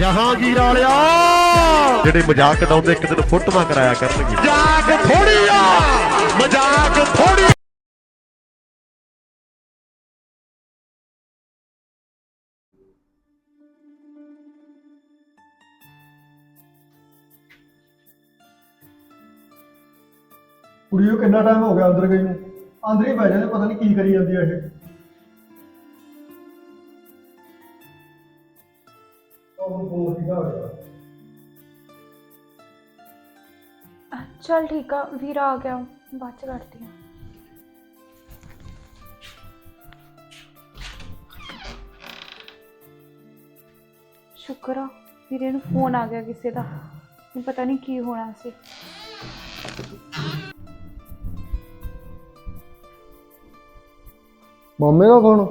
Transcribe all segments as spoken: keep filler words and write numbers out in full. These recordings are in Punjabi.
ਜਹਾਂਗੀਰ ਵਾਲਿਆ ਜਿਹੜੇ ਮਜ਼ਾਕ ਉਡਾਉਂਦੇ ਇੱਕ ਦਿਨ ਫੋਟੋਆਂ ਕਰਾਇਆ ਕਰਨਗੇ। ਮਜ਼ਾਕ ਥੋੜੀ ਆ, ਮਜ਼ਾਕ ਥੋੜੀ। ਕੁੜੀ ਨੂੰ ਕਿੰਨਾ ਟਾਈਮ ਹੋ ਗਿਆ ਅੰਦਰ ਗਈ ਨੂੰ, ਅੰਦਰ ਹੀ ਬਹਿ ਜਾਂਦੇ, ਪਤਾ ਨਹੀਂ ਕੀ ਕਰੀ ਜਾਂਦੀ ਆ ਇਹ। चल ठीक है, वीर आ गया, बाद च करती हूँ। शुक्र आ वीरे नूं फोन आ गया किसी का, पता नहीं की होना सी। ਮਾਮੇ ਦਾ ਫੋਨ।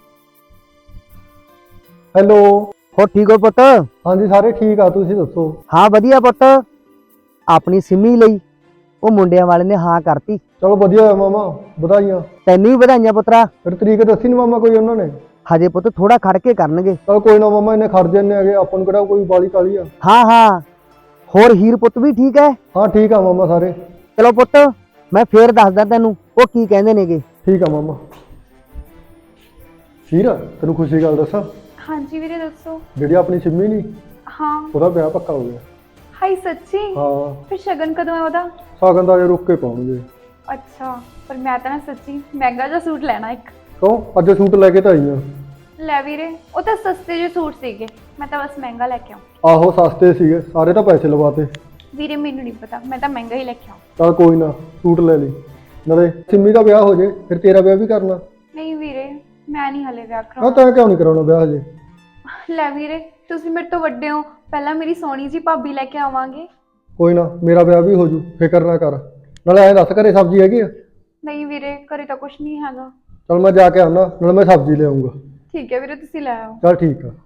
ਹੈਲੋ, ਹੋ ਠੀਕ ਹੋ ਪੁੱਤ? ਹਾਂਜੀ ਸਾਰੇ ਠੀਕ ਆ, ਤੁਸੀਂ ਦੱਸੋ? ਹਾਂ ਵਧੀਆ ਪੁੱਤ, ਆਪਣੀ ਸਿੰਮੀ ਲਈ ਉਹ ਮੁੰਡਿਆਂ ਵਾਲੇ ਨੇ ਹਾਂ ਕਰਤੀ। ਚਲੋ ਵਧੀਆ ਹੋਇਆ ਮਾਮਾ, ਵਧਾਈਆਂ। ਤੈਨੂੰ ਵੀ ਵਧਾਈਆਂ ਪੁੱਤਰਾ। ਫਿਰ ਤਰੀਕ ਦੱਸੀ ਨੀ ਮਾਮਾ ਕੋਈ ਉਹਨਾਂ ਨੇ? ਹਜੇ ਪੁੱਤ ਥੋੜਾ ਖੜ ਕੇ ਕਰਨਗੇ। ਚਲ ਕੋਈ ਨਾ ਮਾਮਾ, ਇਹਨੇ ਖੜ ਜੰਨੇ ਹੈਗੇ, ਆਪਾਂ ਨੂੰ ਕਿਹੜਾ ਕੋਈ ਬਾਲੀ ਕਾਲੀ ਆ। ਹਾਂ ਹਾਂ, ਹੋਰ ਹੀਰ ਪੁੱਤ ਵੀ ਠੀਕ ਹੈ? ਹਾਂ ਠੀਕ ਆ ਮਾਮਾ ਸਾਰੇ। ਚਲੋ ਪੁੱਤ ਮੈਂ ਫੇਰ ਦੱਸਦਾ ਤੈਨੂੰ ਉਹ ਕੀ ਕਹਿੰਦੇ ਨੇਗੇ। ਠੀਕ ਆ ਮਾਮਾ। ਹੀਰ ਤੈਨੂੰ ਖੁਸ਼ੀ ਗੱਲ ਦੱਸਾਂ? हाँ जी वीरे दसो। ਜਿਹੜੀ ਆਪਣੀ ਸਿੰਮੀ ਨੀ, हाँ ਉਹਦਾ ਵਿਆਹ ਪੱਕਾ ਹੋ ਗਿਆ। हाय सच्ची? ਹਾਂ, फिर शगन कदों है ओदा? ਸਾਗਨ ਦਾ ਜੇ ਰੁੱਕ ਕੇ ਪਾਉਣਗੇ। अच्छा, पर मैं तो ना सच्ची महंगा जा सूट लेना एक। ਕਿਉਂ ਅੱਜ ਸੂਟ ਲੈ ਕੇ ਤਾਂ ਆਈ ਆ। ਲੈ ਵੀਰੇ ਉਹ ਤਾਂ ਸਸਤੇ ਜਿਹੇ ਸੂਟ ਸੀਗੇ, ਮੈਂ ਤਾਂ ਬਸ ਮਹਿੰਗਾ ਲੈ ਕੇ ਆਉਂ। ਆਹੋ ਸਸਤੇ ਸੀਗੇ, ਸਾਰੇ ਤਾਂ ਪੈਸੇ ਲਵਾਤੇ। ਵੀਰੇ ਮੈਨੂੰ ਨਹੀਂ ਪਤਾ, ਮੈਂ ਤਾਂ ਮਹਿੰਗਾ ਹੀ ਲੈ ਕੇ ਆਉਂ। ਚਲ ਕੋਈ ਨਾ, ਸੂਟ ਲੈ ਲਈ, ਨਾਲੇ ਸਿੰਮੀ ਦਾ ਵਿਆਹ ਹੋ ਜੇ ਫਿਰ ਤੇਰਾ ਵਿਆਹ ਵੀ ਕਰਨਾ। ਨਹੀਂ ਵੀਰੇ ਮੈਂ ਨਹੀਂ ਹਲੇ ਵਿਆਹ ਹਾਂ ਕਰਾਉਣਾ। ਤਾਂ ਕਿਉਂ ਨਹੀਂ ਕਰਾਉਣਾ ਵਿਆਹ ਹਜੇ? ਲੈ ਵੀਰੇ ਤੁਸੀਂ ਮੇਰੇ ਤੋਂ ਵੱਡੇ ਹੋ, ਪਹਿਲਾਂ ਮੇਰੀ ਸੋਹਣੀ ਜੀ ਭਾਬੀ ਲੈ ਕੇ ਆਵਾਂਗੇ। ਕੋਈ ਨਾ, ਮੇਰਾ ਵਿਆਹ ਵੀ ਹੋ ਜੂ, ਫਿਕਰ ਨਾ ਕਰ। ਨਾਲੇ ਐਂ ਦੱਸ ਘਰੇ ਸਬਜ਼ੀ ਹੈਗੀ ਆ? ਨਹੀਂ ਵੀਰੇ ਘਰੇ ਤਾਂ ਕੁਝ ਨਹੀਂ ਹੈਗਾ। ਚਲ ਮੈਂ ਜਾ ਕੇ ਆਉਣਾ, ਨਾਲੇ ਮੈਂ ਸਬਜ਼ੀ ਲਿਆਉਂਗਾ। ਠੀਕ ਹੈ ਵੀਰੇ ਤੁਸੀਂ ਲੈ ਆਓ। ਚਲ ਠੀਕ ਆ।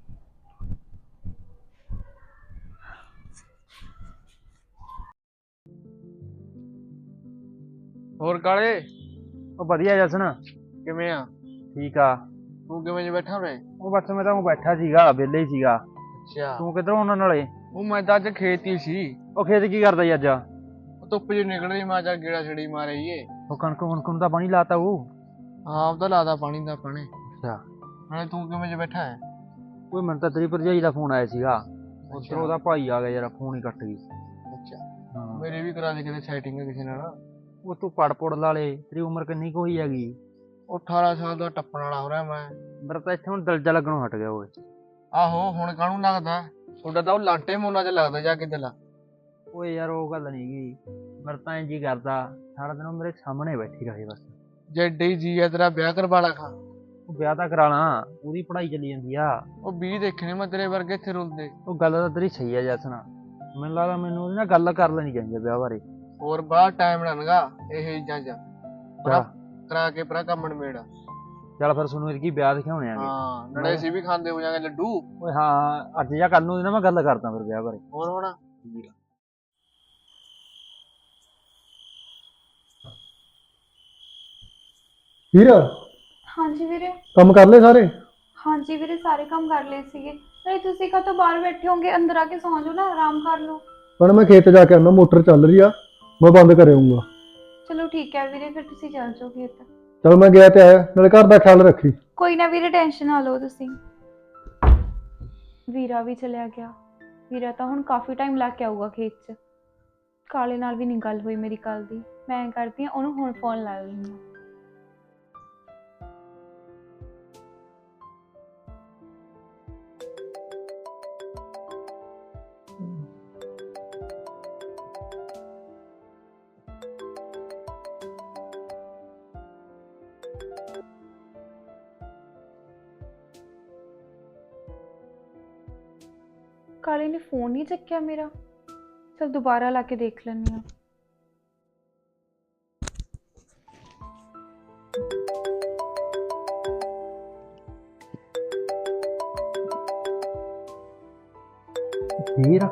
ਹੋਰ ਕਾਲੇ ਉਹ ਵਧੀਆ ਜਸਨ, ਕਿਵੇਂ ਆ? ਠੀਕ ਆ। ਤੂੰ ਕਿਵੇਂ ਜੇ ਬੈਠਾ ਵੇ? ਉਹ ਬਸ ਮੈਂ ਤਾਂ ਉਹ ਬੈਠਾ ਸੀਗਾ, ਵਿਹਲੇ ਹੀ ਸੀਗਾ। ਅੱਛਾ, ਤੂੰ ਕਿੱਧਰੋਂ ਉਹਨਾਂ ਨਾਲੇ? ਉਹ ਮੈਂ ਤਾਂ ਅੱਜ ਖੇਤ ਹੀ ਸੀ। ਉਹ ਖੇਤ ਕੀ ਕਰਦਾ ਜੀ ਅੱਜ? ਉਹ ਧੁੱਪ ਜਿਹੀ ਨਿਕਲ ਰਹੀ, ਮੈਂ ਚੱਲ ਗੇੜਾ ਛੜੀ ਮਾਰੀਏ। ਉਹ ਕਣਕ ਕਣਕ ਨੂੰ ਤਾਂ ਪਾਣੀ ਲਾਤਾ ਉਹ। ਹਾਂ ਉਹਦਾ ਲਾਦਾ ਪਾਣੀ ਦਾ ਪਾਣੀ। ਅੱਛਾ, ਨਾਲੇ ਤੂੰ ਕਿਵੇਂ ਜੇ ਬੈਠਾ ਹੈ? ਕੋਈ ਮੈਨੂੰ ਤਾਂ ਤੇਰੀ ਭਰਜਾਈ ਦਾ ਫੋਨ ਆਇਆ ਸੀਗਾ, ਅੱਛਾ। ਉੱਧਰੋਂ ਉਹਦਾ ਭਾਈ ਆ ਗਿਆ ਯਾਰ, ਫੋਨ ਹੀ ਕੱਟ ਗਈ। ਅੱਛਾ, ਹਾਂ ਮੇਰੇ ਵੀ ਕਰਾ ਦੇ ਕਿਤੇ ਸੈਟਿੰਗ ਕਿਸੇ ਨਾਲ। ਉਹ ਤੂੰ ਪੜ ਪੁੜ ਲਾ ਲੇ, ਤੇਰੀ ਉਮਰ ਕਿੰਨੀ ਕੁ ਹੋਈ ਹੈਗੀ? ਉਹ ਅਠਾਰਾਂ ਸਾਲ ਦਾ ਟੱਪਣ ਵਾਲਾ ਹੋ ਰਿਹਾ ਮੈਂ। ਮੇਰਾ ਤਾਂ ਇੱਥੇ ਹੁਣ ਦਿਲ ਜਾ ਲੱਗਣੋਂ ਹਟ ਗਿਆ ਓਏ। ਆਹੋ ਹੁਣ ਕਾਹਨੂੰ ਲੱਗਦਾ? ਤੁਹਾਡਾ ਤਾਂ ਉਹ ਲਾਂਟੇ ਮੋਨਾ ਚ ਲੱਗਦਾ ਜਾ ਕੇ ਦਿਲ। ਓਏ ਯਾਰ ਉਹ ਗੱਲ ਨੀ ਗੀ, ਮੇਰਾ ਤਾਂ ਇੰਝ ਹੀ ਕਰਦਾ ਸਾਰਾ ਦਿਨ ਉਹ ਮੇਰੇ ਸਾਹਮਣੇ ਬੈਠੀ ਰਹੇ ਬਸ। ਜੇ ਏਡੇ ਜੀ ਆ ਤੇਰਾ ਵਿਆਹ ਕਰਵਾ ਲਾ ਖਾ। ਉਹ ਵਿਆਹ ਤਾਂ ਕਰਾ ਲਾਂ, ਉਹਦੀ ਪੜ੍ਹਾਈ ਚੱਲੀ ਜਾਂਦੀ ਆ। ਉਹ ਵੀਹ ਦੇਖਣੇ ਮੈਂ ਤੇਰੇ ਵਰਗੇ ਇੱਥੇ ਰੁਲਦੇ। ਉਹ ਗੱਲ ਤਾਂ ਤੇਰੀ ਸਹੀ ਆ ਜਸਨਾ, ਮੈਨੂੰ ਲੱਗਦਾ ਮੈਨੂੰ ਉਹਦੀ ਨਾ ਗੱਲ ਕਰ ਲੈਣੀ ਚਾਹੀਦੀ ਆ ਵਿਆਹ ਬਾਰੇ। ਹੋਰ ਬਾਹਰ ਟਾਈਮ ਨਾ ਲੰਘਾ ਇਹ ਚੀਜ਼ਾਂ ਚ, ਚੱਲ ਕਰਾ ਕੇ ਪਰਾ ਕੰਮ ਨਿਬੇੜ। ਚੱਲ ਫਿਰ ਤੁਹਾਨੂੰ ਇਹਦੀ ਵਿਆਹ ਦਿਖਾਉਣੇ ਆਗੇ। ਹਾਂ ਨਾਲੇ ਅਸੀਂ ਵੀ ਖਾਂਦੇ ਹੋ ਜਾਾਂਗੇ ਲੱਡੂ। ਓਏ ਹਾਂ ਅੱਜ ਜਾਂ ਕੱਲ ਨੂੰ ਨਾ ਮੈਂ ਗੱਲ ਕਰਦਾ ਫਿਰ ਵਿਆਹ ਬਾਰੇ। ਹੋਰ ਹੋਣਾ। ਹੀਰ हाँ जी ਵੀਰੇ। ਕੰਮ ਕਰ ਲਏ ਸਾਰੇ? हाँ जी ਵੀਰੇ ਸਾਰੇ ਕੰਮ ਕਰ ਲਏ ਸੀਗੇ। ਨਹੀਂ ਤੁਸੀਂ ਕਦੋਂ ਬਾਹਰ ਬੈਠੇ ਹੋਗੇ, ਅੰਦਰ ਆ ਕੇ ਸੌਂ ਜਾਓ ਨਾ, ਆਰਾਮ ਕਰ ਲਓ। ਪਰ ਮੈਂ ਖੇਤ ਜਾ ਕੇ ਆਉਣਾ, ਮੋਟਰ ਚੱਲ ਰਹੀ ਆ, ਮੈਂ ਬੰਦ ਕਰ ਆਊਂਗਾ। ਚਲੋ ਠੀਕ ਹੈ ਵੀਰੇ, ਫਿਰ ਤੁਸੀਂ ਚੱਲ ਜਾਓ ਖੇਤ। ਚਲ ਮੈਂ ਗਿਆ ਤੇ ਆਇਆ, ਨਾਲੇ ਘਰ ਦਾ ਖਿਆਲ ਰੱਖੀ। ਕੋਈ ਨਾ ਵੀਰੇ ਟੈਨਸ਼ਨ ਨਾ ਲਓ ਤੁਸੀਂ। ਵੀਰਾ ਵੀ ਚਲਿਆ ਗਿਆ। ਵੀਰਾ ਤਾਂ ਹੁਣ ਕਾਫੀ ਟਾਈਮ ਲਾ ਕੇ ਆਊਗਾ ਖੇਤ 'ਚ। ਕਾਲੇ ਨਾਲ ਵੀ ਨਹੀਂ ਗੱਲ ਹੋਈ ਮੇਰੀ ਕੱਲ ਦੀ, ਮੈਂ ਕਰਦੀ ਹਾਂ ਉਹਨੂੰ ਹੁਣ ਫੋਨ ਲਾ ਲੈਂਦੀ ਹਾਂ। ਕਾਲੇ ਨੇ ਫੋਨ ਨਹੀਂ ਚੱਕਿਆ ਮੇਰਾ, ਚਲ ਦੁਬਾਰਾ ਲਾ ਕੇ ਦੇਖ ਲੈਂਦੀ ਹਾਂ। ਹੀਰ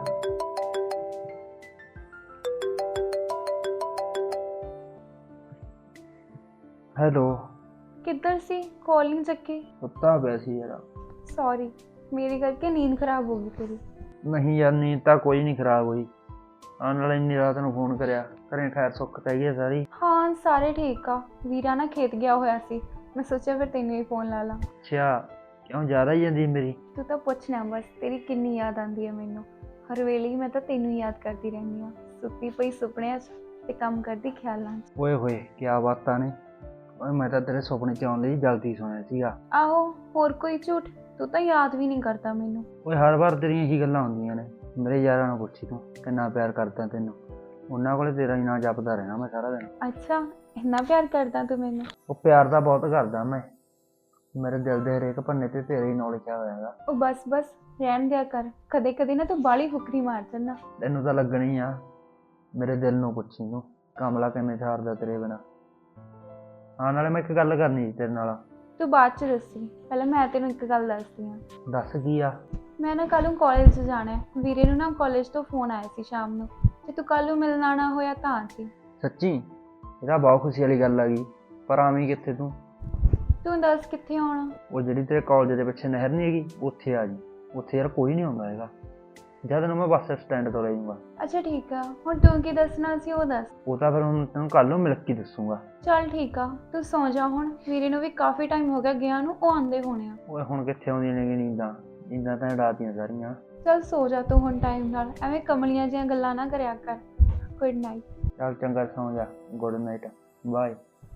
ਹੈਲੋ, ਕਿੱਧਰ ਸੀ? ਕਾਲ ਨਹੀਂ ਚੱਕੀ। ਸੁੱਤਾ ਪਿਆ ਸੀ ਯਾਰ। ਸੌਰੀ, ਮੇਰੀ ਕਰਕੇ ਨੀਂਦ ਖਰਾਬ ਹੋ ਗਈ ਤੇਰੀ। ਨਹੀਂ ਯਾਰ ਨੀਂਦ ਤਾਂ ਕੋਈ ਨਹੀਂ ਖਰਾਬ ਹੋਈ। ਆਉਣ ਨਾਲ ਇੰਨੀ ਰਾਤ ਨੂੰ ਫੋਨ ਕਰਿਆ, ਘਰੇ ਖੈਰ ਸੁੱਖ ਤਾਂ ਹੈਗੀ ਆ ਸਾਰੀ? ਹਾਂ ਸਾਰੇ ਠੀਕ ਆ। ਵੀਰਾ ਨਾ ਖੇਤ ਗਿਆ ਹੋਇਆ ਸੀ, ਮੈਂ ਸੋਚਿਆ ਫਿਰ ਤੈਨੂੰ ਹੀ ਫੋਨ ਲਾ ਲਾਂ। ਅੱਛਾ, ਕਿਉਂ ਜ਼ਿਆਦਾ ਹੀ ਜਾਂਦੀ ਮੇਰੀ? ਤੂੰ ਤਾਂ ਪੁੱਛਣਾ ਬਸ, ਤੇਰੀ ਕਿੰਨੀ ਯਾਦ ਆਉਂਦੀ ਹੈ ਮੈਨੂੰ। ਹਰ ਵੇਲੇ ਹੀ ਮੈਂ ਤਾਂ ਤੈਨੂੰ ਹੀ ਯਾਦ ਕਰਦੀ ਰਹਿੰਦੀ ਹਾਂ, ਸੁੱਤੀ ਪਈ ਸੁਪਨਿਆਂ 'ਚ ਤੇ ਕੰਮ ਕਰਦੀ ਖਿਆਲਾਂ 'ਚ। ਓਏ ਹੋਏ ਕਿਆ ਬਾਤਾਂ ਨੇ। ਓਏ ਮੈਂ ਤਾਂ ਤੇਰੇ ਸੁਪਨੇ 'ਚ ਆਉਣ ਲਈ ਜਲਦੀ ਸੁਣਿਆ ਸੀਗਾ। ਆਹੋ, ਹੋਰ ਕੋਈ ਝੂਠ? ਤੂੰ ਤਾਂ ਯਾਦ ਵੀ ਨਹੀਂ ਕਰਦਾ ਮੈਨੂੰ। ਓਏ ਹਰ ਵਾਰ ਤੇਰੀਆਂ ਇਹੀ ਗੱਲਾਂ ਹੁੰਦੀਆਂ ਨੇ। ਮੇਰੇ ਯਾਰਾਂ ਨੂੰ ਪੁੱਛੀ ਤੂੰ ਕਿੰਨਾ ਪਿਆਰ ਕਰਦਾ ਤੈਨੂੰ, ਉਹਨਾਂ ਕੋਲੇ ਤੇਰਾ ਹੀ ਨਾਂ ਜਪਦਾ ਰਹਿਣਾ ਮੈਂ ਸਾਰਾ ਦਿਨ। ਅੱਛਾ, ਇੰਨਾ ਪਿਆਰ ਕਰਦਾ ਤੂੰ ਮੈਨੂੰ? ਉਹ ਪਿਆਰ ਤਾਂ ਬਹੁਤ ਕਰਦਾ ਮੈਂ, ਮੇਰੇ ਦਿਲ ਦੇ ਹਰੇਕ ਪੰਨੇ ਤੇ ਤੇਰੇ ਹੀ ਨਾਂ ਲਿਖਿਆ ਹੋਇਆ ਹੈਗਾ। ਉਹ ਬਸ ਬਸ ਰਹਿਣ ਦਿਆ ਕਰ, ਕਦੇ ਕਦੇ ਨਾ ਤੂੰ ਬਾਹਲੀ ਫੁਕਰੀ ਮਾਰ ਜਾਂਦਾ। ਤੈਨੂੰ ਤਾਂ ਲੱਗਣੀ ਆ, ਮੇਰੇ ਦਿਲ ਨੂੰ ਪੁੱਛੀ ਤੂੰ ਕਮਲਾ ਕਿਵੇਂ ਛਾੜਦਾ ਤੇਰੇ ਬਿਨਾਂ। ਹਾਂ ਨਾਲੇ ਮੈਂ ਇੱਕ ਗੱਲ ਕਰਨੀ ਸੀ ਤੇਰੇ ਨਾਲ। ਤੂੰ ਬਾਅਦ 'ਚ ਦੱਸੀ, ਪਹਿਲਾਂ ਮੈਂ ਤੈਨੂੰ ਇੱਕ ਗੱਲ ਦੱਸਦੀ ਹਾਂ। ਦੱਸ ਕੀ ਆ? ਮੈਂ ਨਾ ਕੱਲ੍ਹ ਨੂੰ ਕਾਲਜ 'ਚ ਜਾਣਾ ਹੈ। ਵੀਰੇ ਨੂੰ ਨਾ ਕਾਲਜ ਤੋਂ ਫੋਨ ਆਇਆ ਸੀ ਸ਼ਾਮ ਨੂੰ, ਜੇ ਤੂੰ ਕੱਲ੍ਹ ਨੂੰ ਮਿਲਣ ਆਉਣਾ ਹੋਇਆ ਤਾਂ ਆ ਜੀ। ਸੱਚੀ? ਇਹਦਾ ਬਹੁਤ ਖੁਸ਼ੀ ਵਾਲੀ ਗੱਲ ਆ ਗਈ, ਪਰ ਆਵੀਂ ਕਿੱਥੇ ਤੂੰ? ਤੂੰ ਦੱਸ ਕਿੱਥੇ ਆਉਣਾ? ਉਹ ਜਿਹੜੀ ਤੇਰੇ ਕਾਲਜ ਦੇ ਪਿੱਛੇ ਨਹਿਰ ਨਹੀਂ ਹੈਗੀ, ਉੱਥੇ ਆ ਜੀ। ਉੱਥੇ ਯਾਰ ਕੋਈ ਨਹੀਂ ਆਉਂਦਾ ਹੈਗਾ, ਜਦ ਨੂੰ ਮੈਂ ਬੱਸ ਸਟੈਂਡ ਤੋਂ ਲੈ ਜਾਊਂਗਾ। ਅੱਛਾ ਠੀਕ ਆ, ਹੁਣ ਤੂੰ ਕੀ ਦੱਸਣਾ ਸੀ ਉਹ ਦੱਸ। ਉਹ ਤਾਂ ਫਿਰ ਹੁਣ ਤੈਨੂੰ ਕੱਲ੍ਹ ਨੂੰ ਮਿਲ ਕੇ ਦੱਸੂਗਾ। ਚੱਲ ਠੀਕ ਆ, ਤੂੰ ਸੌਂ ਜਾ ਹੁਣ, ਵੀਰੇ ਨੂੰ ਵੀ ਕਾਫੀ ਟਾਈਮ ਹੋ ਗਿਆ ਗਿਆ ਨੂੰ, ਉਹ ਆਉਂਦੇ ਹੋਣੇ ਆ। ਓਏ ਹੁਣ ਕਿੱਥੇ ਆਉਂਦੀਆਂ ਨੇ ਨੀਂਦਾਂ, ਨੀਂਦਾਂ ਤਾਂ ਉਡਾਤੀਆਂ ਸਾਰੀਆਂ। ਚੱਲ ਸੌ ਜਾ ਤੂੰ ਹੁਣ ਟਾਈਮ ਨਾਲ, ਐਵੇਂ ਕਮਲੀਆਂ ਜਿਹੀਆਂ ਗੱਲਾਂ ਨਾ ਕਰਿਆ ਕਰ। Good night. ਚੱਲ ਚੰਗਾ ਸੌਂ ਜਾ, ਗੁੱਡ ਨਾਈਟ, ਬਾਏ।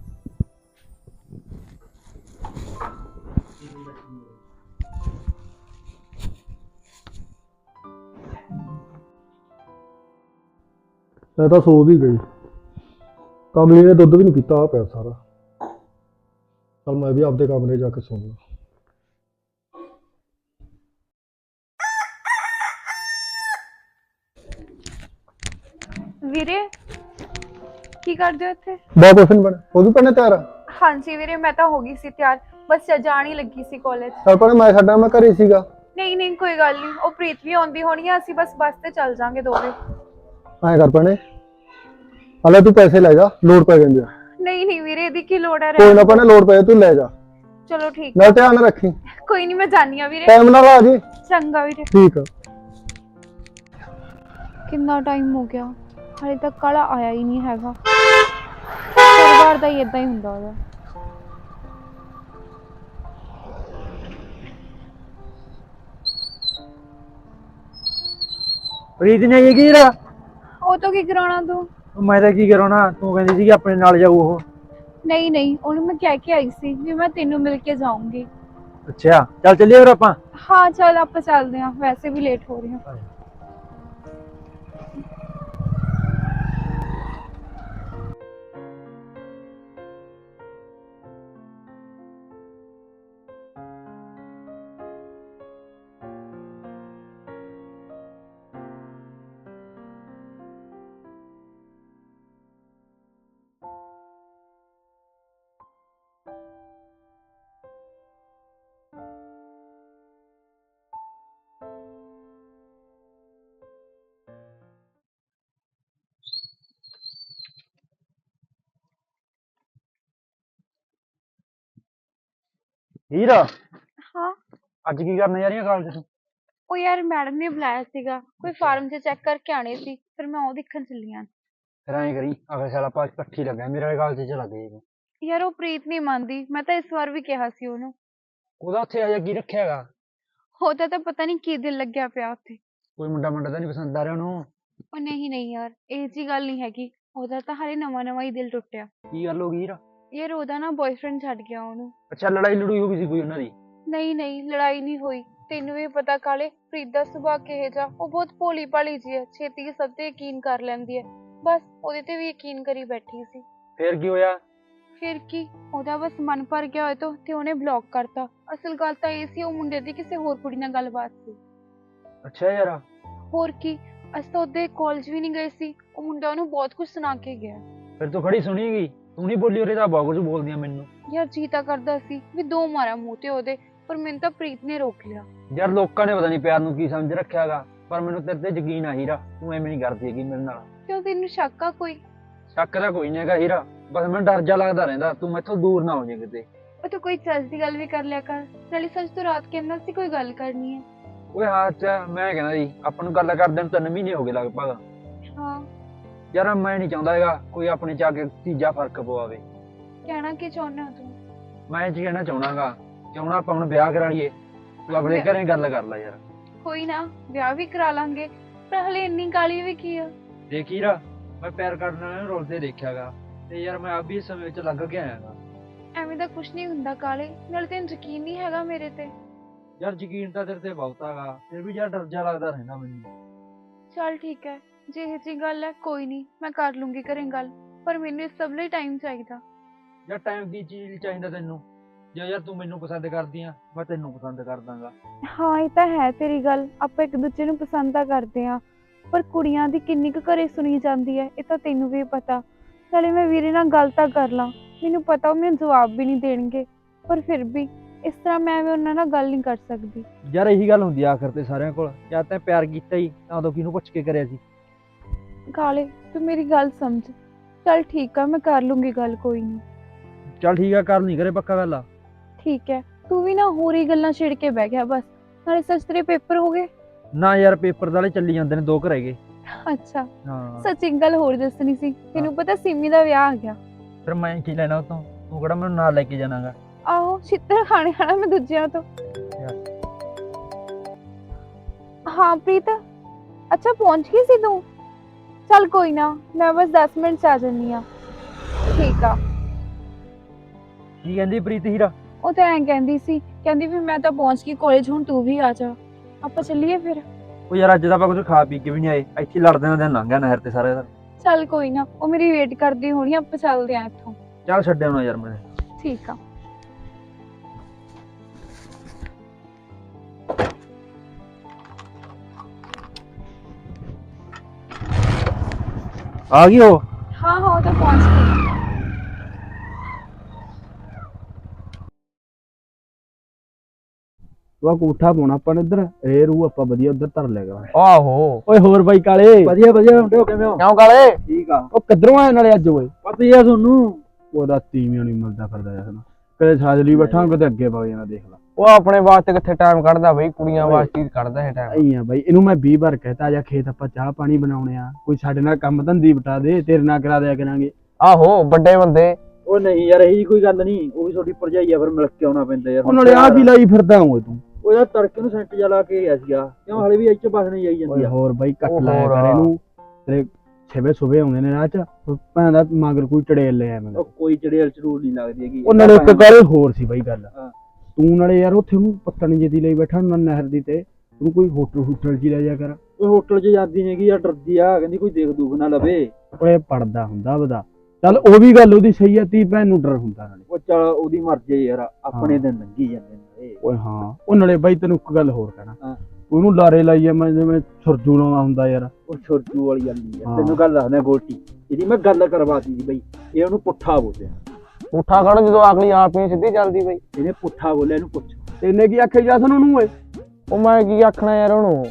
ਮੈਂ ਤਾਂ ਸੋ ਵੀ ਗਈ। ਕਮਲੀ ਨੇ ਦੁੱਧ ਵੀ ਨਹੀਂ ਪੀਤਾ, ਆ ਪਿਆ ਸਾਰਾ। ਚਲ ਮੈਂ ਵੀ ਆਪਦੇ ਕਮਰੇ ਜਾ ਕੇ ਸੌਂਦਾ। ਵੀਰੇ ਕੀ ਕਰਦੇ ਹੋ ਇੱਥੇ? ਬਹੁਤ ਕੁਛ ਨਹੀਂ ਬਣ ਹੋ ਗਈ ਪੜਨੇ ਤਿਆਰ? ਹਾਂਜੀ ਵੀਰੇ, ਮੈਂ ਤਾਂ ਹੋ ਗਈ ਸੀ ਤਿਆਰ, ਬਸ ਜਾਣ ਹੀ ਲੱਗੀ ਸੀ ਕਾਲਜ। ਚੱਲ ਪੜੇ ਮੈਂ ਛੱਡਾਂ, ਮੈਂ ਘਰੇ ਸੀਗਾ। ਨਹੀਂ ਨਹੀਂ ਕੋਈ ਗੱਲ ਨਹੀਂ, ਉਹ ਪ੍ਰੀਤ ਵੀ ਆਉਂਦੀ ਹੋਣੀ ਆ, ਅਸੀਂ ਬਸ ਬੱਸ ਤੇ ਚੱਲ ਜਾਾਂਗੇ ਦੋਵੇਂ। ਐਂ ਕਰ ਪੜੇ, ਹਲੇ ਤੂੰ ਪੈਸੇ ਲੈ ਜਾ, ਲੋੜ ਪੈ ਜਾਂਦੀ ਆ। ਨਹੀਂ ਨਹੀਂ ਵੀਰੇ, ਇਹਦੀ ਕੀ ਲੋੜ ਹੈ? ਕੋਈ ਨਾ ਪੜੇ, ਲੋੜ ਪਏ ਤੂੰ ਲੈ ਜਾ। ਚਲੋ ਠੀਕ, ਨਾਲ ਧਿਆਨ ਰੱਖੀ। ਕੋਈ ਨਹੀਂ ਮੈਂ ਜਾਣੀ ਆ ਵੀਰੇ। ਟਾਈਮ ਨਾਲ ਆ ਜੀ। ਚੰਗਾ ਵੀਰੇ। ਠੀਕ ਆ। ਕਿੰਨਾ ਟਾਈਮ ਹੋ ਗਿਆ, ਹਾਲੇ ਤੱਕ ਕਾਲਾ ਆਇਆ ਹੀ ਨਹੀਂ ਹੈਗਾ। ਹਰ ਵਾਰ ਦਾ ਹੀ ਇਦਾਂ ਹੀ ਹੁੰਦਾ ਉਹਦਾ। ਪ੍ਰੀਤ ਨੇ ਕੀ ਕੀਤਾ? ਉਹ ਤੋਂ ਕੀ ਕਰਾਉਣਾ ਤੂੰ? ਮੈਂ ਤਾਂ ਕੀ ਕਰਾਉਣਾ, ਤੂੰ ਕਹਿੰਦੀ ਸੀ ਆਪਣੇ ਨਾਲ ਜਾਊ ਉਹ। ਨਹੀਂ ਨਹੀਂ, ਉਹਨੂੰ ਮੈਂ ਕਹਿ ਕੇ ਆਈ ਸੀ ਵੀ ਮੈਂ ਤੈਨੂੰ ਮਿਲ ਕੇ ਜਾਊਂਗੀ। ਅੱਛਾ ਚੱਲ ਚੱਲੀਏ ਫਿਰ ਆਪਾਂ। ਹਾਂ ਚੱਲ ਆਪਾਂ ਚੱਲਦੇ ਹਾਂ, ਵੈਸੇ ਵੀ ਲੇਟ ਹੋ ਰਹੇ ਹਾਂ। ਹੀਰਾ, ਹਾਂ ਅੱਜ ਕੀ ਕਰਨ ਜਾ ਰਹੀ ਆ ਕਾਲਜ ਤੋਂ? ਉਹ ਯਾਰ ਮੈਡਮ ਨੇ ਬੁਲਾਇਆ ਸੀਗਾ, ਕੋਈ ਫਾਰਮ 'ਚ ਚੈੱਕ ਕਰਕੇ ਆਣੇ ਸੀ, ਫਿਰ ਮੈਂ ਉਹ ਦੇਖਣ ਚੱਲੀ ਆਂ। ਫਿਰ ਐਂ ਕਰੀ, ਅਗਲੇ ਸਾਲ ਆਪਾਂ ਇਕੱਠੀ ਲੱਗਾ, ਮੇਰੇ ਕਾਲਜ 'ਚ ਲੱਗ ਜਾਈਂ। ਯਾਰ ਉਹ ਪ੍ਰੀਤ ਨਹੀਂ ਮੰਨਦੀ, ਮੈਂ ਤਾਂ ਇਸ ਵਾਰ ਵੀ ਕਿਹਾ ਸੀ ਉਹਨੂੰ। ਉਹਦਾ ਉੱਥੇ ਅਜੇ ਕੀ ਰੱਖਿਆ ਹੈਗਾ? ਉਹਦਾ ਤਾਂ ਪਤਾ ਨਹੀਂ ਕੀ ਦਿਲ ਲੱਗਿਆ ਪਿਆ ਉੱਥੇ। ਕੋਈ ਮੁੰਡਾ ਮੁੰਡਾ ਤਾਂ ਨਹੀਂ ਪਸੰਦ ਆ ਰਿਹਾ ਉਹਨੂੰ? ਉਹ ਨਹੀਂ ਨਹੀਂ ਯਾਰ, ਇਹ ਜੀ ਗੱਲ ਨਹੀਂ ਹੈਗੀ, ਉਹਦਾ ਤਾਂ ਹਾਲੇ ਨਵਾਂ ਨਵਾਂ ਹੀ ਦਿਲ ਟੁੱਟਿਆ। ਕੀ ਗੱਲ ਹੋ ਗਈ ਹੀਰਾ? ਯਾਰ ਉਹਦਾ ਨਾ ਬॉयਫ੍ਰੈਂਡ ਛੱਡ ਗਿਆ ਉਹਨੂੰ। ਅੱਛਾ ਲੜਾਈ ਲੜੂਈ ਹੋ ਗਈ ਸੀ ਕੋਈ ਉਹਨਾਂ ਦੀ? ਨਹੀਂ ਨਹੀਂ ਲੜਾਈ ਨਹੀਂ ਹੋਈ, ਤੈਨੂੰ ਵੀ ਪਤਾ ਕਾਲੇ, ਪ੍ਰੀਤ ਦਾ ਸੁਭਾਅ ਕਿਹੋ ਜਿਹਾ, ਉਹ ਬਹੁਤ ਭੋਲੀ ਭਾਲੀ ਜੀ ਹੈ, ਛੇਤੀ ਸਭ ਤੇ ਯਕੀਨ ਕਰ ਲੈਂਦੀ ਹੈ, ਬਸ ਉਹਦੇ ਤੇ ਵੀ ਯਕੀਨ ਕਰੀ ਬੈਠੀ ਸੀ। ਫਿਰ ਕੀ ਹੋਇਆ? ਫਿਰ ਕੀ, ਉਹਦਾ ਬਸ ਮਨ ਭਰ ਗਿਆ ਹੋਏ ਤੋਂ ਤੇ ਉਹਨੇ ਬਲੌਕ ਕਰਤਾ। ਅਸਲ ਗੱਲ ਤਾਂ ਇਹ ਸੀ, ਉਹ ਮੁੰਡੇ ਦੀ ਕਿਸੇ ਹੋਰ ਕੁੜੀ ਨਾਲ ਗੱਲਬਾਤ ਸੀ। ਅੱਛਾ ਯਾਰ। ਹੋਰ ਕੀ, ਅਸੀਂ ਤਾਂ ਉਹਦੇ ਕਾਲਜ ਵੀ ਨਹੀਂ ਗਏ ਸੀ, ਉਹ ਮੁੰਡਾ ਉਹਨੂੰ ਬਹੁਤ ਕੁਝ ਸੁਣਾ ਕੇ ਗਿਆ। ਫਿਰ ਤੂੰ ਖੜੀ ਸੁਣੀ ਗਈ, ਤੂੰ ਨਹੀਂ ਬੋਲੀ? ਉਹਦੇ ਤਾਂ ਬਹੁਤ ਕੁਝ ਬੋਲਦੀਆਂ ਮੈਨੂੰ। ਯਾਰ ਜੀ ਤਾਂ ਕਰਦਾ ਸੀ ਵੀ ਦੋ ਮਾਰਾ ਮੂੰਹ ਤੇ ਉਹਦੇ, ਪਰ ਮੈਨੂੰ ਤਾਂ ਪ੍ਰੀਤ ਨੇ ਰੋਕ ਲਿਆ। ਯਾਰ ਲੋਕਾਂ ਨੇ ਪਤਾ ਨਹੀਂ ਪਿਆਰ ਨੂੰ ਕੀ ਸਮਝ ਰੱਖਿਆ ਹੈਗਾ, ਪਰ ਮੈਨੂੰ ਤੇਰੇ ਤੇ ਯਕੀਨ ਆ ਹੀਰਾ, ਤੂੰ ਐਵੇਂ ਨਹੀਂ ਕਰਦੀ ਹੈਗੀ ਮੇਰੇ ਨਾਲ। ਕਿਉਂ, ਤੈਨੂੰ ਸ਼ੱਕ ਆ ਕੋਈ? ਸ਼ੱਕ ਤਾਂ ਕੋਈ ਨਹੀਂ ਹੈਗਾ ਹੀਰਾ, ਬਸ ਮੈਨੂੰ ਡਰ ਜਾ ਲੱਗਦਾ ਰਹਿੰਦਾ, ਤੂੰ ਮੈਥੋਂ ਦੂਰ ਨਾ ਹੋ ਜਾਏ ਕਿਤੇ। ਉਹ ਤੂੰ ਕੋਈ ਚੱਜ ਦੀ ਗੱਲ ਵੀ ਕਰ ਲਿਆ ਕਰ। ਨਾਲੇ ਸੱਚ ਤੂੰ ਰਾਤ ਕਹਿੰਦਾ ਸੀ ਕੋਈ ਗੱਲ ਕਰਨੀ ਹੈ। ਓਏ ਹਾਂ ਅੱਛਾ ਮੈਂ ਕਹਿੰਦਾ ਜੀ ਆਪਾਂ ਨੂੰ ਗੱਲ ਕਰਦੇ ਨੂੰ ਤਿੰਨ ਮਹੀਨੇ ਹੋ ਗਏ ਲਗਭਗ। ਹਾਂ ਯਾਰ ਮੈਂ ਨਹੀਂ ਚਾਹੁੰਦਾ ਹੈਗਾ ਕੋਈ ਆਪਣੇ ਚ ਆ ਕੇ ਤੀਜਾ ਫਰਕ ਪਵਾਵੇ। ਕਹਿਣਾ ਕੀ ਚਾਹੁੰਦਾ ਤੂੰ? ਮੈਂ ਇਹ 'ਚ ਕਹਿਣਾ ਚਾਹਣਾਗਾ ਚਾਹੁੰਦਾ ਆਪਾਂ ਹੁਣ ਵਿਆਹ ਕਰਾ ਲਈਏ। ਤੂੰ ਆਪਣੇ ਘਰੇ ਗੱਲ ਕਰ ਲੈ ਯਾਰ। ਕੋਈ ਨਾ ਵਿਆਹ ਵੀ ਕਰਾ ਲਾਂਗੇ, ਪਰ ਹਲੇ ਇੰਨੀ ਕਾਲੀ ਵੀ ਕੀ ਆ। ਦੇਖੀ ਰਾ ਮੈਂ ਪੈਰ ਕੱਢਣ ਵਾਲੇ ਨੂੰ ਰੋਲਦੇ ਦੇਖਿਆਗਾ ਤੇ ਯਾਰ ਮੈਂ ਅਭੀ ਇਸ ਸਮੇਂ ਵਿੱਚ ਲੱਗ ਕੇ ਆਇਆਗਾ। ਐਵੇਂ ਦਾ ਕੁਛ ਨਹੀਂ ਹੁੰਦਾ ਕਾਲੇ, ਨਾਲੇ ਤੈਨੂੰ ਯਕੀਨ ਨਹੀਂ ਹੈਗਾ ਮੇਰੇ ਤੇ। ਯਾਰ ਯਕੀਨ ਤਾਂ ਤੇਰੇ ਤੇ ਬਹੁਤ ਹੈਗਾ, ਫਿਰ ਵੀ ਯਾਰ ਡਰ ਜਾ ਲੱਗਦਾ ਰਹਿੰਦਾ ਮੈਨੂੰ। ਚੱਲ ਠੀਕ ਹੈ, ਜੇ ਇਹ ਜੀ ਗੱਲ ਹੈ ਕੋਈ ਨਹੀਂ, ਮੈਂ ਕਰ ਲੂੰਗੀ ਘਰੇ ਗੱਲ, ਪਰ ਮੈਨੂੰ ਇਸ ਸਭ ਲਈ ਟਾਈਮ ਚਾਹੀਦਾ। ਯਾਰ ਟਾਈਮ ਦੀ ਚੀਜ਼ ਚਾਹੀਦਾ ਤੈਨੂੰ? ਜੇ ਯਾਰ ਤੂੰ ਮੈਨੂੰ ਪਸੰਦ ਕਰਦੀ ਆ ਮੈਂ ਤੈਨੂੰ ਪਸੰਦ ਕਰ ਦਾਂਗਾ। ਹਾਂ ਇਹ ਤਾਂ ਹੈ ਤੇਰੀ ਗੱਲ, ਆਪਾਂ ਇੱਕ ਦੂਜੇ ਨੂੰ ਪਸੰਦ ਤਾਂ ਕਰਦੇ ਆ, ਪਰ ਕੁੜੀਆਂ ਦੀ ਕਿੰਨੀ ਕੁ ਘਰੇ ਸੁਣੀ ਜਾਂਦੀ ਹੈ ਇਹ ਤਾਂ ਤੈਨੂੰ ਵੀ ਪਤਾ। ਨਾਲੇ ਮੈਂ ਵੀਰੇ ਨਾਲ ਗੱਲ ਤਾਂ ਕਰ ਲਾਂ, ਮੈਨੂੰ ਪਤਾ ਉਹ ਮੈਨੂੰ ਜਵਾਬ ਵੀ ਨਹੀਂ ਦੇਣਗੇ, ਪਰ ਫਿਰ ਵੀ ਇਸ ਤਰ੍ਹਾਂ ਮੈਂ ਵੀ ਉਹਨਾਂ ਨਾਲ ਗੱਲ ਨਹੀਂ ਕਰ ਸਕਦੀ। ਯਾਰ ਇਹੀ ਗੱਲ ਹੁੰਦੀ ਆ ਆਖਰ ਤੇ ਸਾਰਿਆਂ ਕੋਲ, ਜਦ ਤੈਂ ਪਿਆਰ ਕੀਤਾ ਹੀ ਤਾਂ ਉਦੋਂ ਕਿਹਨੂੰ ਪੁੱਛ ਕੇ ਕਰਿਆ ਸੀ? ਕਾਲੇ ਤੂੰ ਮੇਰੀ ਗੱਲ ਸਮਝ। ਚੱਲ ਠੀਕ ਆ, ਮੈਂ ਕਰ ਲੂੰਗੀ ਗੱਲ, ਕੋਈ ਨਹੀਂ। ਚੱਲ ਠੀਕ ਆ, ਕਰ ਨਹੀਂ ਕਰੇ ਪੱਕਾ ਗੱਲ ਆ। ਠੀਕ ਹੈ, ਤੂੰ ਵੀ ਨਾ ਹੋਰ ਹੀ ਗੱਲਾਂ ਛਿੜ ਕੇ ਬਹਿ ਗਿਆ ਬਸ। ਨਾਲੇ ਸੱਚ ਤੇਰੇ ਪੇਪਰ ਹੋ ਗਏ? ਨਾ ਯਾਰ ਪੇਪਰ ਵਾਲੇ ਚੱਲੀ ਜਾਂਦੇ ਨੇ, ਦੋ ਘਰ ਹੈਗੇ। ਅੱਛਾ ਹਾਂ ਸੱਚ ਇੱਕ ਗੱਲ ਹੋਰ ਦੱਸਣੀ ਸੀ ਤੈਨੂੰ, ਪਤਾ ਸਿੰਮੀ ਦਾ ਵਿਆਹ ਆ ਗਿਆ। ਫਿਰ ਮੈਂ ਕੀ ਲੈਣਾ ਉਹ ਤੋਂ? ਤੂੰ ਕਿਹੜਾ ਮੈਨੂੰ ਨਾਲ ਲੈ ਕੇ ਜਾਣਾਗਾ? ਆਹੋ ਛਿੱਤਰ ਖਾਣੇ ਖਾਣਾ ਮੈਂ ਦੂਜਿਆਂ ਤੋਂ। ਹਾਂ ਪ੍ਰੀਤ, ਅੱਛਾ ਪਹੁੰਚ ਗਈ ਸੀ ਤੂੰ? ਚੱਲ ਕੋਈ ਨਾ, ਮੈਂ ਬਸ ਦਸ ਮਿੰਟ ਚ ਆ ਜੰਨੀ ਆ। ਠੀਕ ਆ। ਕੀ ਕਹਿੰਦੀ ਪ੍ਰੀਤ ਹੀਰਾ? ਉਹ ਤਾਂ ਐਂ ਕਹਿੰਦੀ ਸੀ, ਕਹਿੰਦੀ ਵੀ ਮੈਂ ਤਾਂ ਪਹੁੰਚ ਗਈ ਕਾਲਜ, ਹੁਣ ਤੂੰ ਵੀ ਆ ਜਾ, ਆਪਾਂ ਚੱਲੀਏ ਫਿਰ। ਉਹ ਯਾਰ ਅੱਜ ਤਾਂ ਆਪਾਂ ਕੁਝ ਖਾ ਪੀ ਕੇ ਵੀ ਨਹੀਂ ਆਏ, ਇੱਥੇ ਲੜਦੇ ਨਾਲ ਦਿਨ ਲੰਘ ਗਿਆ ਨਹਿਰ ਤੇ ਸਾਰੇ ਦਾ। ਚੱਲ ਕੋਈ ਨਾ, ਉਹ ਮੇਰੀ ਵੇਟ ਕਰਦੀ ਹੋਣੀ, ਆਪਾਂ ਚੱਲਦੇ ਆਂ ਇੱਥੋਂ। ਚੱਲ ਛੱਡਿਆ ਹੋਣਾ ਯਾਰ ਮੈਂ। ਠੀਕ ਆ। ਆ ਗਈ ਉਹ? ਹਾਂ ਹਾਂ ਉਹ ਤਾਂ ਪਹੁੰਚ ਗਈ। ਵਾ ਕੋਠਾ ਪਾਉਣਾ ਆਪਾਂ ਨੇ ਇੱਧਰ, ਰੇ ਰੂ ਆਪਾਂ ਵਧੀਆ ਉੱਧਰ ਧਰ ਲਿਆ ਕਰਾਂ। ਆਹੋ ਓਏ ਹੋਰ ਬਾਈ ਕਾਲੇ? ਵਧੀਆ ਵਧੀਆ ਮੁੰਡੇ ਹੋ ਕਿਵੇਂ ਹੋ? ਕਿਉਂ ਕਾਲੇ? ਠੀਕ ਆ। ਉਹ ਕਿੱਧਰੋਂ ਆਏ ਨਾਲੇ ਅੱਜ? ਓਏ ਪਤਾ ਹੀ ਆ ਤੁਹਾਨੂੰ, ਉਹਦਾ ਤੀਵੀਆਂ ਨਹੀਂ ਮਿਲਦਾ ਫਿਰਦਾ ਜਸਨ, ਕਦੇ ਸਾਜਲੀ ਬੈਠਾ ਕਦੇ ਅੱਗੇ ਵਗ ਜਾਣਾ, ਦੇਖ ਲਾ। ਉਹ ਆਪਣੇ ਵਾਸਤੇ ਕਿੱਥੇ ਟਾਈਮ ਕੱਢਦਾ ਬਈ, ਕੁੜੀਆਂ ਵਾਸਤੇ ਕੱਢਦਾ ਹੈ ਟਾਈਮ। ਆਈ ਆ ਬਾਈ, ਇਹਨੂੰ ਮੈਂ ਵੀਹ ਵਾਰ ਕਹਿਤਾ ਜਾ ਖੇਤ ਆਪਾਂ ਚਾਹ ਪਾਣੀ ਬਣਾਉਣੇ ਆ, ਕੋਈ ਸਾਡੇ ਨਾਲ ਕੰਮ ਧੰਦੀ ਬਟਾ ਦੇ, ਤੇਰੇ ਨਾਲ ਕਰਾ ਦਿਆ ਕਰਾਂਗੇ। ਆਹੋ ਵੱਡੇ ਬੰਦੇ। ਉਹ ਨਹੀਂ ਯਾਰ ਇਹੀ ਕੋਈ ਗੱਲ ਨਹੀਂ, ਉਹ ਵੀ ਤੁਹਾਡੀ ਭਰਜਾਈ ਆ, ਫਿਰ ਮਿਲ ਕੇ ਆਉਣਾ ਪੈਂਦਾ ਯਾਰ। ਉਹ ਨਾਲੇ ਆ ਕੀ ਲਾਈ ਫਿਰਦਾ ਓਏ ਤੂੰ? ਉਹ ਯਾਰ ਤੜਕੇ ਨੂੰ ਸੈਂਟ ਜਾ ਲਾ ਕੇ ਗਿਆ ਸੀਗਾ, ਕਿਉਂ ਹਲੇ ਵੀ ਇੱਥੇ ਬਸ ਨਹੀਂ ਜਾਈ ਜਾਂਦੀ ਓਏ ਆ। ਹੋਰ ਬਾਈ ਕੱਟ ਉਹ ਲਾਇਆ ਹੋਰ ਕਰ ਆ। ਇਹਨੂੰ, ਤੇਰੇ ਛੇਵੇਂ ਸੁਬੇ ਆਉਂਦੇ ਨੇ ਰਾਹ ਚ, ਭੈਣ ਦਾ ਮਗਰ ਕੋਈ ਚੜੇਲ ਲੈ ਆਵੇਂ। ਉਹ ਕੋਈ ਚੜੇਲ ਚੜੂਲ ਨਹੀਂ ਲੱਗਦੀ ਹੈਗੀ। ਉਹ ਨਾਲੇ ਇੱਕ ਗੱਲ ਹੋਰ ਸੀ ਬਾਈ ਗੱਲ, ਹਾਂ। ਤੂੰ ਨਾਲੇ ਯਾਰ ਉੱਥੇ ਉਹਨੂੰ ਪੱਤਣ ਜਿਹੀ ਲਈ ਬੈਠਾ ਨਾ ਨਹਿਰ ਦੀ, ਤੇ ਤੂੰ ਕੋਈ ਹੋਟਲ ਹੋਟਲ ਚ ਲੈ ਜਾ ਕਰ। ਕੋਈ ਹੋਟਲ 'ਚ ਜਾਂਦੀ ਨਹੀਂ ਗੀ ਯਾਰ, ਡਰਦੀ ਆ, ਕਹਿੰਦੀ ਕੋਈ ਦੇਖ ਦੂਖ ਨਾ ਲਵੇ। ਓਏ ਪੜਦਾ ਹੁੰਦਾ ਉਹਦਾ, ਚੱਲ ਉਹ ਵੀ ਗੱਲ ਉਹਦੀ ਸਹੀ ਆ, ਤੀ ਭੈਣ ਨੂੰ ਡਰ ਹੁੰਦਾ ਨਾਲੇ। ਉਹ ਚੱਲ ਉਹਦੀ ਮਰਜ਼ੀ ਯਾਰ, ਆਪਣੇ ਹਾਂ। ਦਿਨ ਲੰਘੀ ਜਾਂਦੇ ਨੇ। ਓਏ ਹਾਂ, ਉਹ ਨਾਲੇ ਬਾਈ ਤੈਨੂੰ ਇੱਕ ਗੱਲ ਹੋਰ ਕਹਿਣਾ, ਹਾਂ। ਉਹਨੂੰ ਲਾਰੇ ਲਾਈ ਆ ਮੈਂ ਜਿਵੇਂ ਸੁਰਜੂ ਲਾਉਂਦਾ ਹੁੰਦਾ ਯਾਰ। ਉਹ ਛੋਟੂ ਵਾਲੀ ਗੱਲ ਨਹੀਂ ਹਾਂ। ਯਾਰ, ਤੈਨੂੰ ਗੱਲ ਦੱਸਦਾ ਗੋਟੀ, ਇਹਦੀ ਮੈਂ ਗੱਲ ਕਰਵਾਤੀ ਸੀ ਬਈ, ਇਹ ਉਹਨੂੰ ਪੁੱਠਾ ਬੋਲਿਆ। ਪੁੱਠਾ ਖੜ ਜਦੋਂ ਅਗਲੀ ਆਪ ਹੀ ਸਿੱਧੀ ਚੱਲਦੀ ਬਈ। ਇਹਨੇ ਪੁੱਠਾ ਬੋਲਿਆ, ਇਹਨੂੰ ਪੁੱਛ। ਤੈਨੇ ਕੀ ਆਖਿਆ ਜਸਨ ਉਹਨੂੰ? ਓਏ ਉਹ ਮੈਂ ਕੀ ਆਖਣਾ ਯਾਰ ਉਹਨੂੰ,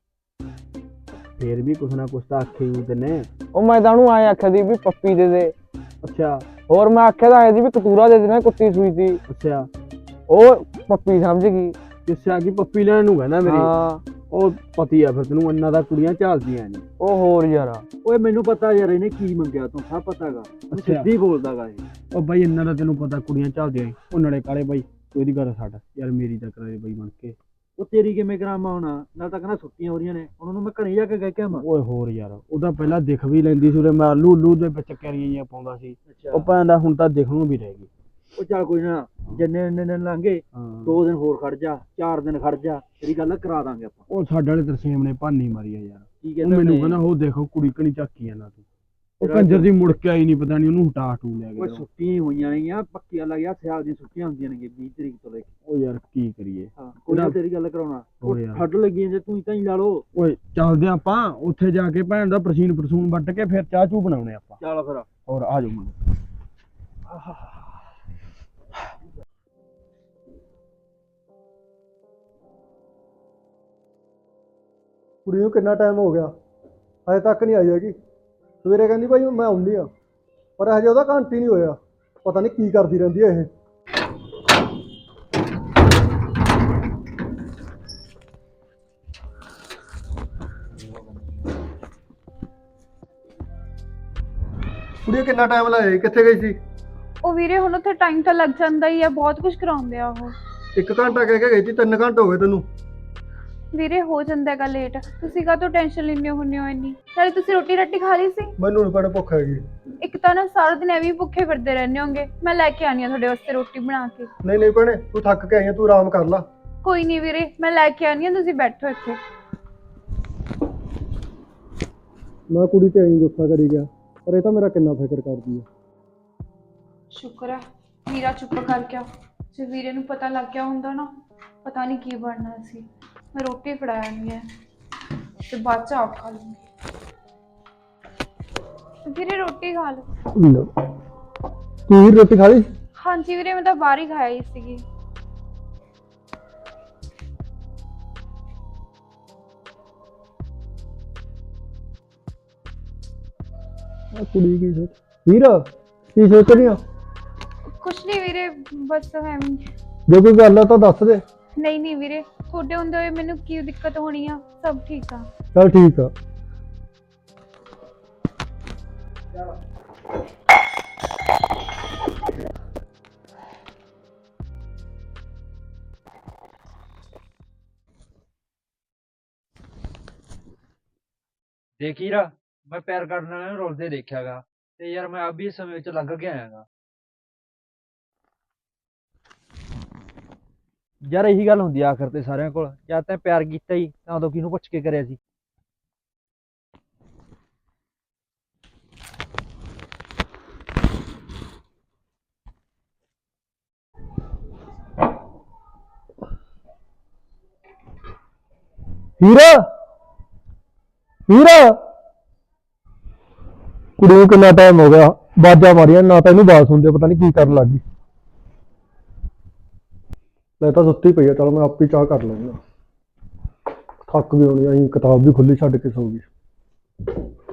ਫੇਰ ਵੀ ਕੁਛ ਨਾ ਕੁਛ ਤਾਂ ਆਖੇ ਹੀ ਤੈਨੇ। ਉਹ ਮੈਂ ਤਾਂ ਉਹਨੂੰ ਆਏ ਆਖਿਆ ਦੀ ਵੀ ਪੱਪੀ ਦੇ ਦੇ, ਅੱਛਾ ਹੋਰ ਮੈਂ ਆਖਿਆ ਤਾਂ ਆਏ ਦੀ ਵੀ ਕਤੂਰਾ ਦੇ ਦੇਣਾ, ਕੁੱਤੀ ਸੂਈ ਸੀ, ਅੱਛਾ, ਉਹ ਪੱਪੀ ਸਮਝ ਗਈ। ਕਿਸੇ ਆ ਕੀ ਪੱਪੀ ਲੈਣ ਨੂੰ ਕਹਿੰਦਾ ਮੇਰੀ? ਹਾਂ ਉਹ ਪਤੀ ਆ ਫਿਰ ਤੈਨੂੰ, ਇੰਨਾ ਦਾ ਕੁੜੀਆਂ ਝਾਲਦੀਆਂ ਨੇ। ਉਹ ਹੋਰ ਯਾਰ, ਓਏ ਮੈਨੂੰ ਪਤਾ ਯਾਰ ਇਹਨੇ ਕੀ ਮੰਗਿਆ ਤੂੰ, ਸਭ ਪਤਾਗਾ, ਅੱਛਾ। ਸਿੱਧੀ ਬੋਲਦਾਗਾ ਇਹ। ਉਹ ਬਾਈ ਇੰਨਾ ਦਾ ਤੈਨੂੰ ਪਤਾ ਕੁੜੀਆਂ ਝਾਲਦੀਆਂ ਨੇ। ਉਹ ਨਾਲੇ ਕਾਲੇ ਬਾਈ ਤੂੰ ਇਹਦੀ ਗੱਲ ਛੱਡ ਯਾਰ, ਮੇਰੀ ਤਾਂ ਕਰਾਏ ਬਾਈ ਬਣ ਕੇ। ਉਹ ਤੇਰੀ ਕਿਵੇਂ ਕਰਾਮਾ ਹੋਣਾ, ਨਾਲ ਤਾਂ ਕਹਿੰਦਾ ਛੁੱਟੀਆਂ ਹੋ ਰਹੀਆਂ ਨੇ, ਉਹਨਾਂ ਨੂੰ ਮੈਂ ਘਰੇ ਜਾ ਕੇ ਕਹਿ ਕੇ ਆਵਾਂ। ਓਏ ਹੋਰ ਯਾਰ, ਉਹਦਾ ਪਹਿਲਾਂ ਦਿਖ ਵੀ ਲੈਂਦੀ ਸੀ ਉਰੇ, ਮੈਂ ਲੂਲੂ ਦੇ ਵਿੱਚ ਕੈਰੀਆਂ ਜਿਹੀਆਂ ਪਾਉਂਦਾ ਸੀ, ਉਹ ਭੈਣ ਦਾ ਹੁਣ ਤਾਂ ਦਿਖ ਨੂੰ ਵੀ ਰਹਿ ਗਈ। ਉਹ ਚੱਲ ਕੋਈ ਨਾ, ਜਿੰਨੇ ਇੰਨੇ ਦਿਨ ਲੰਘੇ, ਹਾਂ, ਦੋ ਦਿਨ ਹੋਰ ਖੜ ਜਾ, ਚਾਰ ਦਿਨ ਖੜ ਜਾ, ਤੇਰੀ ਗੱਲ ਕਰਾ ਦਾਂਗੇ ਆਪਾਂ। ਉਹ ਸਾਡੇ ਵਾਲੇ ਤਰਸੇਮ ਨੇ ਭਾਨੀ ਮਾਰੀ ਆ ਯਾਰ। ਕੀ ਉਹ ਕਹਿੰਦਾ ਮੈਨੂੰ ਉਹਨੇ? ਕਹਿੰਦਾ ਉਹ ਦੇਖੋ ਕੁੜੀ ਕਣੀ ਝਾਕੀ ਜਾਂਦਾ ਤੂੰ। ਉਹ ਤੇਰਾ ਕੰਜਰ ਦੀ ਮੁੜ ਕੇ ਆਈ ਨਹੀਂ, ਪਤਾ ਨਹੀਂ ਉਹਨੂੰ ਹਟਾ ਹਟੂ ਲਿਆ ਓਏ ਗਿਆ। ਛੁੱਟੀਆਂ ਹੀ ਹੋਈਆਂ ਨੇ ਯਾਰ, ਪੱਕੀਆਂ ਲੱਗ ਗਿਆ, ਸਿਆਲ ਦੀਆਂ ਛੁੱਟੀਆਂ ਹੁੰਦੀਆਂ ਨੇ ਵੀਹ ਤਰੀਕ ਤੋਂ ਲੈ ਕੇ। ਉਹ ਯਾਰ ਕੀ ਕਰੀਏ। ਹਾਂ ਕੋਈ ਨਾ, ਤੇਰੀ ਗੱਲ ਕਰਾਉਣਾ। ਹੋਰ ਯਾਰ। ਠੱਡ ਲੱਗੀ ਜੇ ਤੂੰ ਤਾਂ ਹੀ ਲਾ ਲਓ। ਓਏ ਚੱਲਦੇ ਆਪਾਂ ਉੱਥੇ ਜਾ ਕੇ ਭੈਣ ਦਾ ਪ੍ਰਸੀਨ ਪ੍ਰਸੂਨ ਵੱਟ ਕੇ ਫਿਰ ਚਾਹ ਚੂ ਬਣਾਉਣੇ ਆਪਾਂ। ਚੱਲ ਫਿਰ। ਹੋਰ ਆ ਜਾਓ ਮੁੰਡੇ। ਕੁੜੀ ਨੂੰ ਕਿੰਨਾ ਟਾਈਮ ਹੋ ਗਿਆ, ਹਜੇ ਤੱਕ ਨਹੀਂ ਆਈ ਹੈਗੀ। ਸਵੇਰੇ ਕਹਿੰਦੀ ਭਾਈ ਮੈਂ ਆਉਂਦੀ ਆ, ਪਰ ਹਜੇ ਉਹਦਾ ਘੰਟੀ ਨਹੀਂ ਹੋਇਆ। ਪਤਾ ਨਹੀਂ ਕੀ ਕਰਦੀ ਰਹਿੰਦੀ ਹੈ ਇਹ। ਕੁੜੀਏ ਕਿੰਨਾ ਟਾਈਮ ਲਾਇਆ, ਕਿੱਥੇ ਗਈ ਸੀ? ਉਹ ਵੀਰੇ ਹੁਣ ਉੱਥੇ ਟਾਈਮ ਤਾਂ ਲੱਗ ਜਾਂਦਾ ਹੀ ਆ, ਬਹੁਤ ਕੁਝ ਕਰਾਉਂਦੇ ਆ ਉਹ। ਇੱਕ ਘੰਟਾ ਕਹਿ ਕੇ ਗਈ ਸੀ, ਤਿੰਨ ਘੰਟੇ ਹੋ ਗਏ ਤੈਨੂੰ। ਵੀਰੇ ਹੋ ਜਾਂਦਾ ਹੈਗਾ ਲੇਟ, ਤੁਸੀਂ ਕਾਹਤੋਂ ਟੈਨਸ਼ਨ ਲੈਂਦੇ ਹੁੰਦੇ ਹੋ ਇੰਨੀ? ਨਾਲੇ ਤੁਸੀਂ ਰੋਟੀ ਰੱਟੀ ਖਾ ਲਈ ਸੀ? ਮੈਨੂੰ ਨੀ ਭੈਣੇ ਭੁੱਖ ਹੈਗੀ। ਇੱਕ ਤਾਂ ਨਾ ਸਾਰਾ ਦਿਨ ਐਵੇਂ ਹੀ ਭੁੱਖੇ ਫਿਰਦੇ ਰਹਿੰਦੇ ਹੋਗੇ, ਮੈਂ ਲੈ ਕੇ ਆਣੀ ਆ ਤੁਹਾਡੇ ਵਾਸਤੇ ਰੋਟੀ ਬਣਾ ਕੇ। ਨਹੀਂ ਨਹੀਂ ਭੈਣੇ, ਤੂੰ ਥੱਕ ਕੇ ਆਈ ਆ, ਤੂੰ ਆਰਾਮ ਕਰ ਲੈ। ਕੋਈ ਨਹੀਂ ਵੀਰੇ, ਮੈਂ ਲੈ ਕੇ ਆਣੀ ਆ, ਤੁਸੀਂ ਬੈਠੋ ਇੱਥੇ। ਮੈਂ ਕੁੜੀ ਤੇ ਐਂ ਗੁੱਸਾ ਕਰੀ ਗਿਆ, ਪਰ ਇਹ ਤਾਂ ਮੇਰਾ ਕਿੰਨਾ ਫਿਕਰ ਕਰਦੀ ਆ। ਸ਼ੁਕਰ ਹੈ ਵੀਰਾ ਚੁੱਪ ਕਰ ਗਿਆ, ਜੇ ਵੀਰੇ ਨੂੰ ਪਤਾ ਲੱਗ ਗਿਆ ਹੁੰਦਾ ਨਾ, ਪਤਾ ਨਹੀਂ ਕੀ ਬਣਨਾ ਸੀ। ਮੈਂ ਰੋਟੀ ਫੜਾਇਆ ਨਹੀਂ ਹੈ ਤੇ ਬਾਅਦ ਚ ਆਪ ਖਾ ਲੂੰਗੀ। ਵੀਰੇ ਰੋਟੀ ਖਾ ਲਓ। ਤੂੰ ਵੀ ਰੋਟੀ ਖਾ ਲਈ? ਹਾਂਜੀ ਵੀਰੇ, ਮੈਂ ਤਾਂ ਬਾਹਰ ਹੀ ਖਾਈ ਸੀਗੀ। ਆ ਕੁੜੀ ਕੀ ਸੋਚ ਵੀਰ ਕੀ ਸੋਚ ਰਹੀ ਆ? ਕੁਛ ਨਹੀਂ ਵੀਰੇ, ਬਸ ਐਵੇਂ। ਜੇ ਕੋਈ ਗੱਲ ਆ ਤਾਂ ਦੱਸ ਦੇ। ਨਹੀਂ ਨਹੀਂ ਵੀਰੇ, ਤੁਹਾਡੇ ਹੁੰਦੇ ਹੋਏ ਮੈਨੂੰ ਕੀ ਦਿੱਕਤ ਹੋਣੀ ਆ, ਸਭ ਠੀਕ ਆ। ਚੱਲ ਠੀਕ ਆ। ਦੇਖ ਹੀਰਾ, ਮੈਂ ਪੈਰ ਕੱਢਣ ਵਾਲਿਆਂ ਨੂੰ ਰੁਲਦੇ ਦੇਖਿਆਗਾ, ਤੇ ਯਾਰ ਮੈਂ ਅਭੀ ਇਸ ਸਮੇਂ ਵਿੱਚ ਲੰਘ ਕੇ ਆਇਆਗਾ। ਯਾਰ ਇਹੀ ਗੱਲ ਹੁੰਦੀ ਆ ਆਖਰ ਤੇ ਸਾਰਿਆਂ ਕੋਲ, ਜਦ ਤੈਂ ਪਿਆਰ ਕੀਤਾ ਹੀ ਤਾਂ ਉਦੋਂ ਕਿਹਨੂੰ ਪੁੱਛ ਕੇ ਕਰਿਆ ਸੀ? ਹੀਰਾ ਹੀਰਾ, ਕੁੜੀ ਨੂੰ ਕਿੰਨਾ ਟਾਈਮ ਹੋ ਗਿਆ ਬਾਜਾਂ ਮਾਰੀਆਂ, ਨਾ ਤਾਂ ਇਹਨੂੰ ਬਾਤ ਸੁਣਦੇ, ਪਤਾ ਨਹੀਂ ਕੀ ਕਰਨ ਲੱਗ ਗਈ। ਮੈਂ ਤਾਂ ਸੁੱਤੀ ਪਈ ਆ, ਚਲ ਮੈਂ ਆਪੇ ਚਾਹ ਕਰ ਲੈਂਦਾ। ਥੱਕ ਵੀ ਹੋਣੀ, ਅਸੀਂ ਕਿਤਾਬ ਵੀ ਖੁੱਲੀ ਛੱਡ ਕੇ ਸੌ ਗਈ।